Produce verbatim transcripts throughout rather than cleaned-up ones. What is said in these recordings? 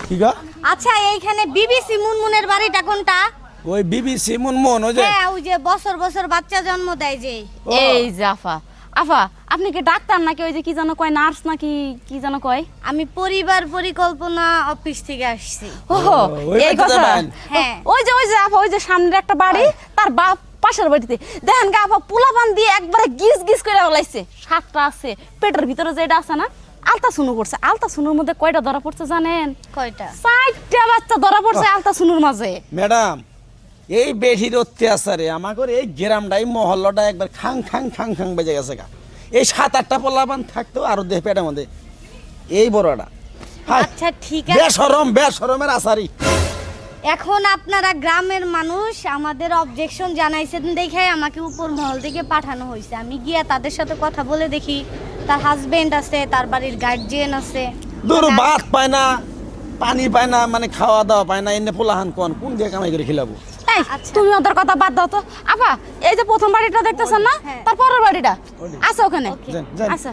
কি গো? আচ্ছা এইখানে বিবিসি মুনমুনের বাড়িটা কোনটা? ওই বিবিসি মুনমুন ওই যে হ্যাঁ ওই যে বছর বছর বাচ্চা জন্ম দেয় যে। এই যে আফা আফা আপনি কি ডাক্তার নাকি ওই যে কি যেন কয় নার্স নাকি কি যেন কয়? আমি পরিবার পরিকল্পনা অফিস থেকে আসছি। ওহো ওই এই বাড়িতে কথা। যাবেন? হ্যাঁ। ওই যে ওই যে আফা ওই যে সামনের একটা বাড়ি তার বাপ পাশের বাড়িতে দেখেন গা আফা পোলাপান দিয়ে একবারে গিজ গিজ করে লাইছে। সাতটা আছে পেটের ভিতরে যেটা আছে না আলতাসুনু করছে। আলতাসুনুর মধ্যে কয়টা ধরা পড়ছে জানেন? কয়টা? চারটা বাচ্চা ধরা পড়ছে আলতাসুনুর মাঝে। ম্যাডাম এই বেঠির অত্যাচারে আমাকে এই গ্রামটাই মহল্লাটা একবার খাং খাং খাং খাং বেজে গেছে গা। এই সাত আটটা পোলাপান থাকতো আরো দেহ পেটের মধ্যে এই বড়টা। আচ্ছা ঠিক আছে, বেশরম বেশরমের আসারি। এখন আপনারা গ্রামের মানুষ আমাদের অবজেকশন জানাইছেন দেখে আমাকে উপর মহল থেকে পাঠানো হয়েছে। আমি গিয়া তাদের সাথে কথা বলে দেখি। তার হাজবেন্ড আছে, তার বাড়ির গার্জিয়ান আছে। দূর ভাত পায় না, পানি পায় না, মানে খাওয়া দাওয়া পায় না, এনে পোলাহান কোন কোন দিয়ে কামাই করে খিলাবো? এই আচ্ছা। তুমি ওদের কথা বাদ দাও তো। আপা এই যে প্রথম বাড়িটা দেখতেছেন না হ্যাঁ। তারপরের বাড়িটা আছে ওখানে। যান, যান। আচ্ছা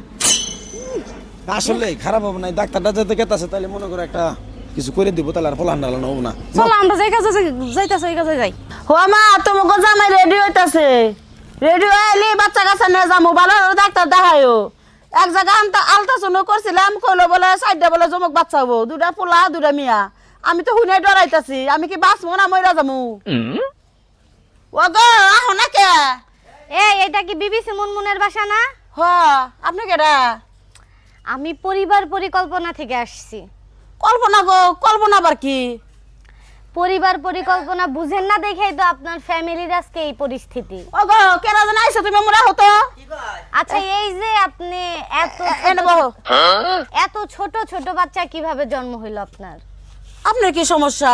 আসলে খারাপ হবে না, ডাক্তারটা যেতে গেতাছে তাহলে মনে করে একটা কিছু করে দিব, তাহলে আর পোলাহান ডালানো হবো না। চলো আমরা যেই কাজে যাইতাছি ওই কাজে যাই। হো মা তোমাকে জামাই রেডি হইতাছে। রেডি হইলি বাচ্চা কাচ্চা নিয়ে যাবো, ভালো ডাক্তার দেখাইও। এক জায়গায় আলতা আলট্রাসাউন্ড করছিলাম, কইলো বলে সাইডে বলে জমক বাচ্চা হবো, দুটা পোলা দুটা মিয়া। আমি তো হুনে ডরাইতাছি, আমি কি বাঁচবো না মইরা যাবো? ও গো আহো না কে? এই এটা কি বিবিসি মুনমুনের বাসা না? হ আপনি কেডা? আমি পরিবার পরিকল্পনা থেকে আসছি। কল্পনা গো, কল্পনা আবার কি? পরিবার পরিকল্পনা বুঝেন না দেখেই তো আপনার ফ্যামিলির আজকে এই পরিস্থিতি। ও গো কেডা জানা আইছো তুমি মোরা হতো? আচ্ছা এই যে আপনি এত এনে বহো। এত ছোট ছোট বাচ্চা কিভাবে জন্ম হইল আপনার? আপনার কি সমস্যা?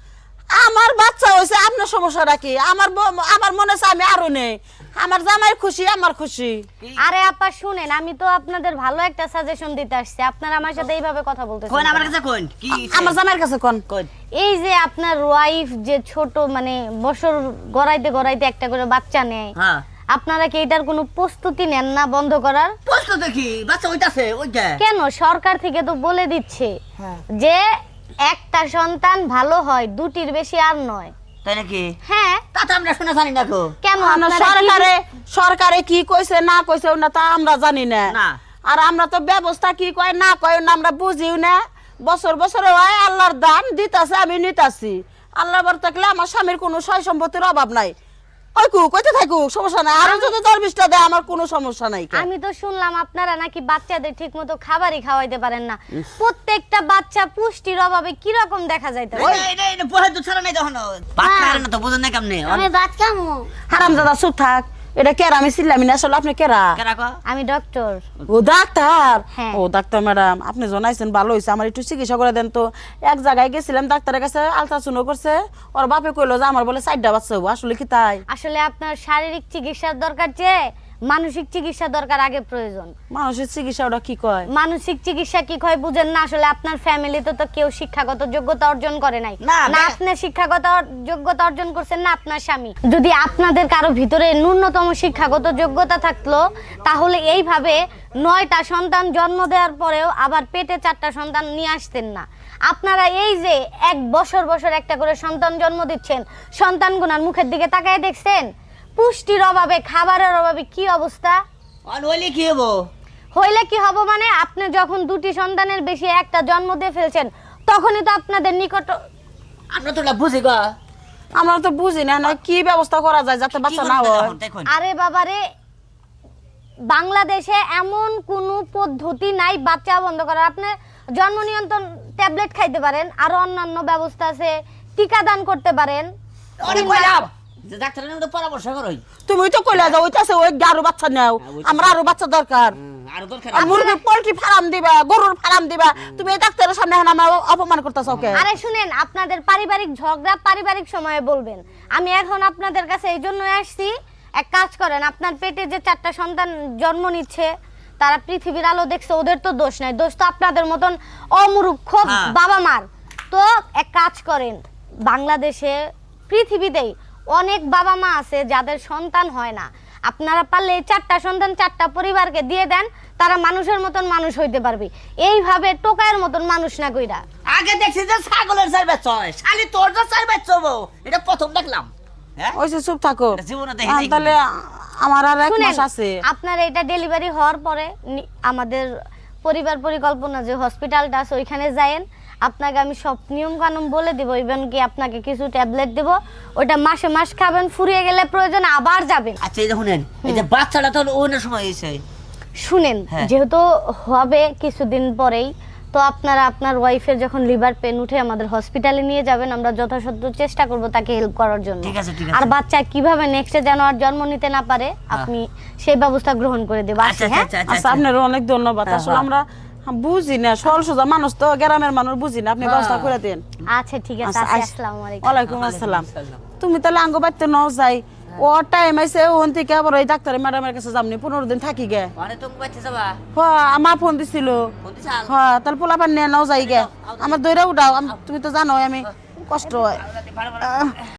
আমার বাচ্চা হয়েছে, আপনার সমস্যাটা কি? আমার ব- আমার মনে হচ্ছে আমি আরো নেই। আমার জামাই খুশি, আমার খুশি। আরে আপা শুনেন, আমি তো আপনাদের ভালো একটা সাজেশন দিতে আসছি, আপনারা আমার সাথে এইভাবে কথা বলতেছেন কোন আমার কেন? কাছে কোন কি আমার জামাইয়ের কাছে কোন? কোন এই যে আপনার ওয়াইফ যে ছোট মানে বছর গড়াইতে গড়াইতে একটা করে বাচ্চা নেয়, হ্যাঁ আপনারা কি এটার কোনো প্রস্তুতি নেন না বন্ধ করার? প্রশ্ন দেখি বাচ্চা ওইটাছে ওইটা কেন সরকার থেকে তো বলে দিচ্ছে হ্যাঁ। যে একটা সন্তান ভালো হয়, দুটির বেশি আর নয়। তাই নাকি? হ্যাঁ তা তো আমরা শুনে জানি না গো। কেন না, আপনারা কি- সরকারে সরকারে কি কইছে না কইছে ওটা তো আমরা জানি না। না। আর আমরা তো ব্যবস্থা কি কয় না কয় না আমরা বুঝিও না। বছর বছর হয় আল্লাহর দান দিতাছে, আমি নিতাছি। আল্লাহ বার থাকলে আমার স্বামীর কোনো সয় সম্পত্তির অভাব নাই। কইকু কইতে থাকু সমস্যা নাই, আর যদি দরবিশটা দেয় আমার কোনো সমস্যা নাই। আমি তো শুনলাম আপনারা নাকি বাচ্চাদের ঠিকমতো খাবারই খাওয়াইতে পারেন না। প্রত্যেকটা বাচ্চা পুষ্টির অভাবে কি রকম দেখা যাইতে পারে। এটা এটা এটা পড়ে তো ছাড়া নাই তখন বাচ্চা আর না তো বুঝুন না কেমনে ভাত খামু। হারামজাদা চুপ থাক। এটা কেরা আমি চিল্লামি না, আসলে আপনি কেরা? কেরা কো আমি ডক্টর। ও ডাক্তার? হ্যাঁ। ও ডাক্তার ম্যাডাম আপনি জানাইছেন ভালো হয়েছে, আমার একটু চিকিৎসা করে দেন তো। এক জায়গায় গেছিলাম ডাক্তারের কাছে, আলট্রাসাউন্ড করছে, ওর বাপে কইলো যে আমার বলে চারটা বাচ্চা হবো। আসলে কি তাই? আসলে আপনার শারীরিক চিকিৎসার দরকার চেয়ে মানসিক চিকিৎসা দরকার আগে প্রয়োজন। মানুষের চিকিৎসা ওটা কি কয়? মানসিক চিকিৎসা কি হয় বুঝেন না? আসলে আপনার ফ্যামিলিতে তো কেউ শিক্ষাগত যোগ্যতা অর্জন করে নাই। না, না বে- আপনি শিক্ষাগত অর- যোগ্যতা অর্জন করছেন না আপনার স্বামী। যদি আপনাদের কারো ভিতরে ন্যূনতম শিক্ষাগত যোগ্যতা থাকলো তাহলে এইভাবে নয়টা সন্তান জন্ম দেওয়ার পরেও আবার পেটে চারটা সন্তান নিয়ে আসতেন না। আপনারা এই যে এক বছর বছর একটা করে সন্তান জন্ম দিচ্ছেন, সন্তানগুনার মুখের দিকে তাকায় দেখছেন? পুষ্টির অভাবে, খাবারের অভাবে কি অবস্থা আর হইলে কি হবো? হইলে কি হবে মানে আপনি যখন দুটি সন্তানের বেশি একটা জন্ম দিয়ে ফেলছেন তখনই তো আপনাদের নিকট আমরা তো এটা বুঝি গো। আমরা তো বুঝি না না কি ব্যবস্থা করা যায় যাতে কি বাচ্চা করতে না হয়। তখন দেখুন আরে বাবারে, বাংলাদেশে এমন কোনো পদ্ধতি নাই বাচ্চা বন্ধ করার। আপনি জন্ম নিয়ন্ত্রণ ট্যাবলেট খাইতে পারেন, আরো অন্যান্য ব্যবস্থা আছে, টিকা দান করতে পারেন। অনেক কইলাম যে ডাক্তারের মধ্যে পরামর্শ করই তুমি তো কইলা যাও ওইটাছে ওই আরো বাচ্চা নাও, আমরা আরো বাচ্চা দরকার। আর দরকার আর মুরগির পোল্ট্রি ফার্ম দিবা, গরুর ফার্ম দিবা, তুমি এই ডাক্তারের সামনে এখন আমার অপমান করতেছ ওকে? আরে শুনেন, আপনাদের পারিবারিক ঝগড়া পারিবারিক সময়ে বলবেন। আমি এখন আপনাদের কাছে এই জন্য আসছি, এক কাজ করেন, আপনার পেটে যে চারটা সন্তান জন্ম নিচ্ছে তারা পৃথিবীর আলো দেখছে, ওদের তো দোষ নাই, দোষ তো আপনাদের মতন অমূর্খ হ্যাঁ। বাবা মার। তো এক কাজ করেন, বাংলাদেশে পৃথিবীতেই অনেক বাবা মা আছে যাদের সন্তান হয় না। আপনারা পারলে এই চারটা সন্তান চারটা পরিবারকে দিয়ে দেন, তারা মানুষের মতন মানুষ হইতে পারবে, এইভাবে টোকায়ের মতন মানুষ না কইরা। আগে দেখছি যে ছাগলের চার বাচ্চা হয়, শালি তোর যে চার বাচ্চা হবো এটা প্রথম দেখলাম। হ্যাঁ ওই যে চুপ থাকো এটা জীবনে দেখি আহ, নাই তাহলে আমার আর এক শুনেন, মাস আছে। আপনার এটা ডেলিভারি হওয়ার পরে নি- আমাদের পরিবার পরিকল্পনা যে হসপিটালটা আছে ওইখানে যায়েন, আপনাকে আমি সব নিয়ম কানুন বলে দিব, ইভেন কি আপনাকে কিছু ট্যাবলেট দেব, ওইটা মাসে মাস খাবেন, ফুরিয়ে গেলে প্রয়োজন আবার যাবেন। আচ্ছা এই দেখুন এই যে বাচ্চাটা তো অন্য সময় হয়েছে। শুনেন, হ্যাঁ। যেহেতু হবে কিছুদিন পরেই, তো আপনারা আপনার ওয়াইফের যখন লিভার পেন উঠে আমাদের হসপিটালে নিয়ে যাবেন, আমরা যথাসাধ্য চেষ্টা করব তাকে হেল্প করার জন্য। ঠিক আছে, ঠিক আর আছে। বাচ্চা কিভাবে নেক্সটে যেন আর জন্ম নিতে না পারে আপনি সেই ব্যবস্থা গ্রহণ করে দেব। আচ্ছা আসি, আচ্ছা হ্যাঁ? আচ্ছা আচ্ছা আচ্ছা আপনারও অনেক ধন্যবাদ। হ্যাঁ, আসলে হ্যাঁ। আমরা বুঝি না, সরল সোজা মানুষ তো, গ্রামের মানুষ বুঝি না, আপনি ব্যবস্থা করে দেন। আচ্ছা ঠিক আছে, আচ্ছা, আসি, আস- আসসালামু আলাইকুম। ওয়ালাইকুম আসসালাম। তুমি তাহলে আঙ্গ বাড়িতে ন যাই, ও টাইম আইছে ওখান থেকে আবার ওই ডাক্তার ম্যাডামের কাছে যামনি, পনেরো দিন থাকি গে। মানে তুমি বাচ্চা যাবা হ্যাঁ আমার ফোন দিছিল। কোন দিশাল হ্যাঁ তাহলে পোলা পান নিয়ে নাও যাই গে, আমার দইরা উঠাও, আম- তুমি তো জানো আমি কষ্ট হয়। ভালো ভালো